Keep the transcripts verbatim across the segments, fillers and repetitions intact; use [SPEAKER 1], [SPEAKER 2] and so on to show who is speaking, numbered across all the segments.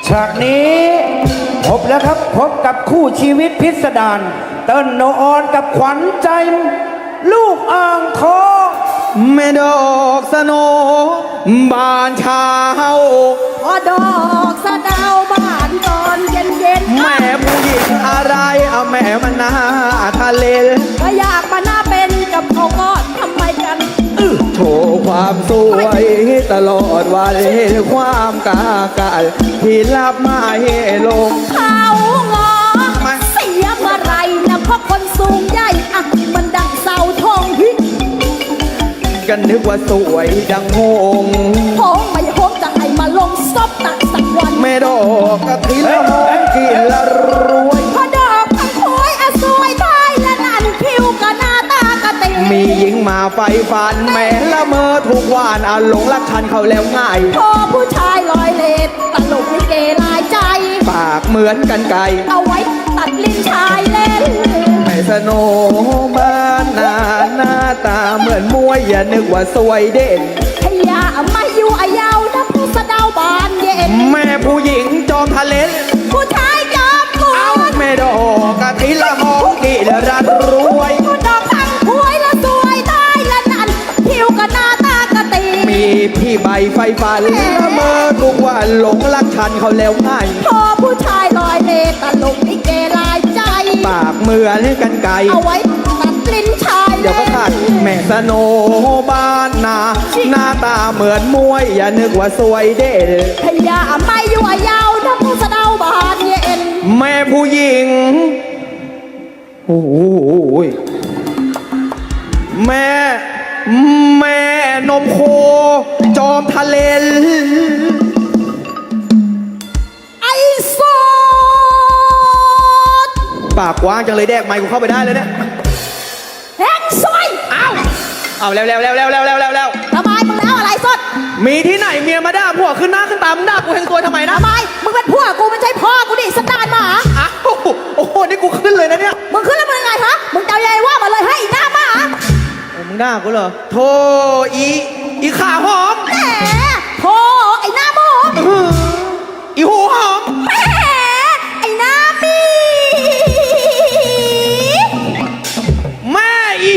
[SPEAKER 1] ฉากนี้พบแล้วครับพบกับคู่ชีวิตพิสดารเติ้ลโนออนกับขวัญใจลูกอ่างทอง
[SPEAKER 2] แม่ดอกสโนบานเช้า
[SPEAKER 3] พอดอกสะดาวบานตอนเย็นเย็น
[SPEAKER 2] แม่ผู้หญิงอะไรเอาแม่มันหน้าทะเล
[SPEAKER 3] ก็อยากมาหน้าเป็นกับเขาก็ทำไมกัน
[SPEAKER 2] โชว์ความสวยตลอดวันความกากาที่รับมาเฮลง
[SPEAKER 3] เขางอเสียเมื่อไรนะเพราะคนสูงใหญ่อะมันดังเสาทองฮิ
[SPEAKER 2] กันนึกว่าสวยดังหง
[SPEAKER 3] หงไม่หงจะให้มาลงซบตักสักวัน
[SPEAKER 2] แม่ดอกกะทิละหอมกินละรวย
[SPEAKER 3] พอดอกพังโอยอะสวยไทยและนั่นคิ้วกะหน้าตากะตี
[SPEAKER 2] มีหญิงมาไฟฟันแม่ละเมอทุกวันอาหลงรักฉันเขาแล้วง่าย
[SPEAKER 3] พอผู้ชายลอยเลดตลกลิเกลายใจ
[SPEAKER 2] ปากเหมือนกันไก่
[SPEAKER 3] เอาไว้ตัดลิ้นชายเล่น
[SPEAKER 2] แม่สโนบ้านนาหน้าตาเหมือนมวยอย่านึกว่าสวยเด่น
[SPEAKER 3] พยามาอยู่อายาวนะผู้สะดาวบานเย็น
[SPEAKER 2] แม่ผู้หญิงจอมทะเล
[SPEAKER 3] ผู้ชายจอมกุ
[SPEAKER 2] ลแม่ดอกกะทิละหอมกินรักรวย
[SPEAKER 3] ผู้ดอกทั้งหวยละสวยได้ละนั่นคิ้วกะหน้าตากะตี
[SPEAKER 2] มีพี่ใบไฟฟันละเมอทุกวันหลงรักฉันเขาแล้วง่าย
[SPEAKER 3] พอผู้ชายลอยเลตลกลิเกลายใจ
[SPEAKER 2] ปากเหมือนกันไก่
[SPEAKER 3] เอาไว้ตัดลิ้นชาย
[SPEAKER 2] เดี๋ยวก็ขาดแม่สโนบ้านนาหน้าตาเหมือนมวยอย่านึกว่าสวยเด่น
[SPEAKER 3] พยาไม่อยู่ยาวนะผู้สะเดาบานเย็น
[SPEAKER 2] แม่ผู้หญิงโอ้โหแม่แม่นมโคจอมทะเล
[SPEAKER 3] ไอ้สด
[SPEAKER 2] ปากกว้างจังเลยแดกไมค์กูเข้าไปได้เลยเนี่ย
[SPEAKER 3] แหงซอย
[SPEAKER 2] อ้าวเอาแล้วแล้วแล้วแล้วแล้วแล้วแล้ว
[SPEAKER 3] ทำไมมึงแล้วอะไรสด
[SPEAKER 2] มีที่ไหนเมียมาด่าผัวขึ้นหน้าขึ้นตามึงด่ากูแหงซวยทำไมนะ
[SPEAKER 3] ทำไมมึงเป็นผัวกูไม่ใช่พ่อกูดิสตาร์มา
[SPEAKER 2] อ้าวโอ้โหนี่กูขึ้นเลยนะเนี่ย
[SPEAKER 3] มึงขึ้นแล้วมึงไงฮะมึงเจ้าใหญ่ว่ามาเลยให้อีหน้ามา
[SPEAKER 2] มึงด่ากูเหรอโธ่อีอีขาหอม
[SPEAKER 3] แหมโธ่ไอ้หน้าหมอ
[SPEAKER 2] อีหูหอม
[SPEAKER 3] แหมไอ้หน้ามี
[SPEAKER 2] แม่อี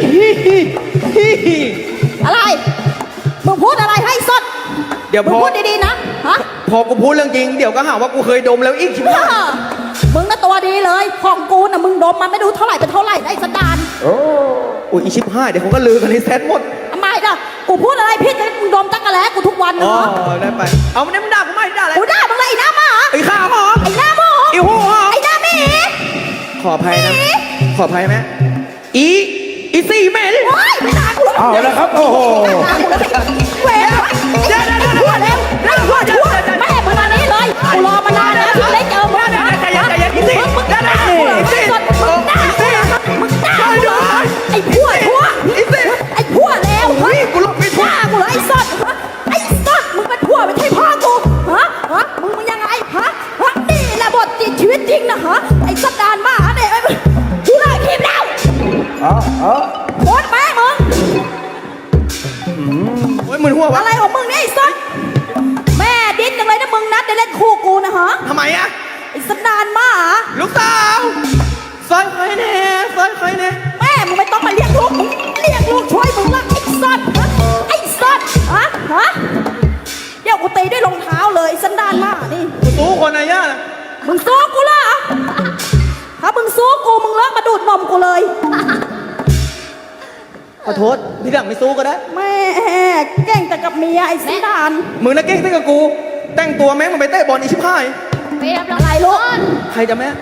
[SPEAKER 3] อะไรมึงพูดอะไรให้สด
[SPEAKER 2] เดี๋ยวพอ
[SPEAKER 3] พูดดีๆนะฮะ
[SPEAKER 2] พอกูพูดเรื่องจริงเดี๋ยวก็หาว่ากูเคยดมแล้วอีกชิบหาย
[SPEAKER 3] มึงน่ะตัวดีเลยของกูน่ะมึงดมมันไม่ดูเท่าไหร่เป็นเท่าไหร่ได้สตาร์
[SPEAKER 2] โอ้โอ้ยอีชิบหายเดี๋ยวเขาก็ลือกันในเซตหมด
[SPEAKER 3] ทำไมล่ะกูพูดอะไรพี่จะมึงดมตั้งกะแล้วกูทุกวันเนาะ
[SPEAKER 2] อ๋อได้ไปเอาไม่ได้มึงด่ากูไม่ด่าอะไร
[SPEAKER 3] กูด่ามึงเลยไอ้หน้าหมา
[SPEAKER 2] ไอ้ข้าวหอม
[SPEAKER 3] ไอ้หน้าหมอ
[SPEAKER 2] ไอ้หูหอม
[SPEAKER 3] ไอ้หน้าหมี
[SPEAKER 2] ขออภัยนะขออภัยไหมอีอีสี่เมล
[SPEAKER 3] ไม่ด่ากู
[SPEAKER 1] เอาแล้วครับโอ้โห
[SPEAKER 3] เว้ยเดี๋ยวเดี๋ยวเดี๋ยวเดี๋ยวเดี๋ยวเดี๋ยวเดี๋ยวแม่มึงมานี้เลยกูรอมานานแล้วที่ได้เจอมึงนะมึงมึงด่ากูเหรอไอ้สดมึงด่ากูเหรอมึงด่ากูเหรอไอ้พัวพัวไอ้พัวแล้วเฮ้ย
[SPEAKER 2] กูหลบไม่ถูก
[SPEAKER 3] ด่ากูเหรอไอ้สดไอ้สดมึงเป็นพัวไม่ใช่พ่อกูฮะฮะมึงมึงยังไงฮะฮะนี่แหละบทจริงชีวิตจริงนะฮะไอ้สัตว์ดานมาเนี่ยกูเลิกทีมแล้ว
[SPEAKER 1] อ๋ออ๋อ
[SPEAKER 3] โคตรแม่มึง
[SPEAKER 2] โอ้ยมึนหัววะ
[SPEAKER 3] อะไรของมึงเนี่ยไอ้สัตว์แม่ดิ้นจังเลยนะมึงนัดได้เล่นคู่กูนะฮะ
[SPEAKER 2] ทำไมอะ
[SPEAKER 3] ไอ้สัตว์ดานมา
[SPEAKER 2] ลูกสาวซอยใครแน่ซอยใครแน่
[SPEAKER 3] แม่มึงไม่ต้องมาเรียกลูกมึงเรียกลูกช่วยมึงละไอ้สัตว์ไอ้สัตว์ฮะฮะเดี๋ยวกูตีด้วยรองเท้าเลยสันดานมานี่
[SPEAKER 2] กูสู้คนนะย่า
[SPEAKER 3] มึงสู้กูล่ะถ้ามึงสู้กูมึงเลิกมาดูดนมกูเลย
[SPEAKER 2] ขอโทษที่หลังไม่สู้ก็ได้
[SPEAKER 3] แม่เก่งแต่กับเมียไอ้สันดาน
[SPEAKER 2] มึงน่ะเก่งแต่กับกูแต่งตัวแม่งมันไปเตะบอลอีชิบหาย
[SPEAKER 3] เปียบอะไรลูก
[SPEAKER 2] ใครจะแม่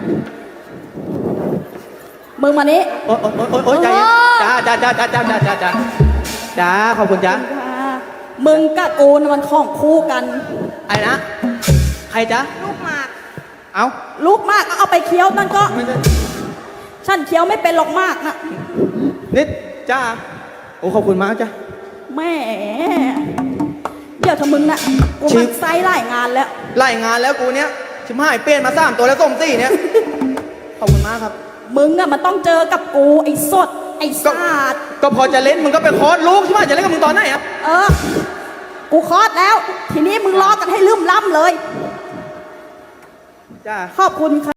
[SPEAKER 3] มึงมานี้
[SPEAKER 2] โอ๊ยโอ๊ยโอ๊ยโอ๊ยใจจ้าจ้าจ้าจ้าจ้าจ้าจ้าจ้าจ้าขอบคุณจ้า
[SPEAKER 3] มึงกับกูมันของคู่กัน
[SPEAKER 2] ไอ้นะใครจ้า
[SPEAKER 3] ลูกมาก
[SPEAKER 2] เอา
[SPEAKER 3] ลูกมากเอาไปเคี้ยวนั่นก็ฉันเคี้ยวไม่เป็นหรอกมากนะ
[SPEAKER 2] นิดจ้าโอ้ขอบคุณมากจ้า
[SPEAKER 3] แม่เดี๋ยวถ้ามึงน่ะกูมันไซไล่งานแล้ว
[SPEAKER 2] ไล่งานแล้วกูเนี้ยชิมหายเปลี่ยนมาสามตัวแล้วส้มสี่เนี้ยขอบคุณมากครับ
[SPEAKER 3] มึงอะมันต้องเจอกับกูไอ้สดไอ้ซาด
[SPEAKER 2] ก็พอจะเล่นมึงก็ไปคอร์สลูกใช่ไหมจะเล่นกับมึงตอนไหนอะ
[SPEAKER 3] เออกูคอร์สแล้วทีนี้มึงรอกันให้ลืมล้ำเลย
[SPEAKER 2] จ้า
[SPEAKER 3] ขอบคุณค่ะ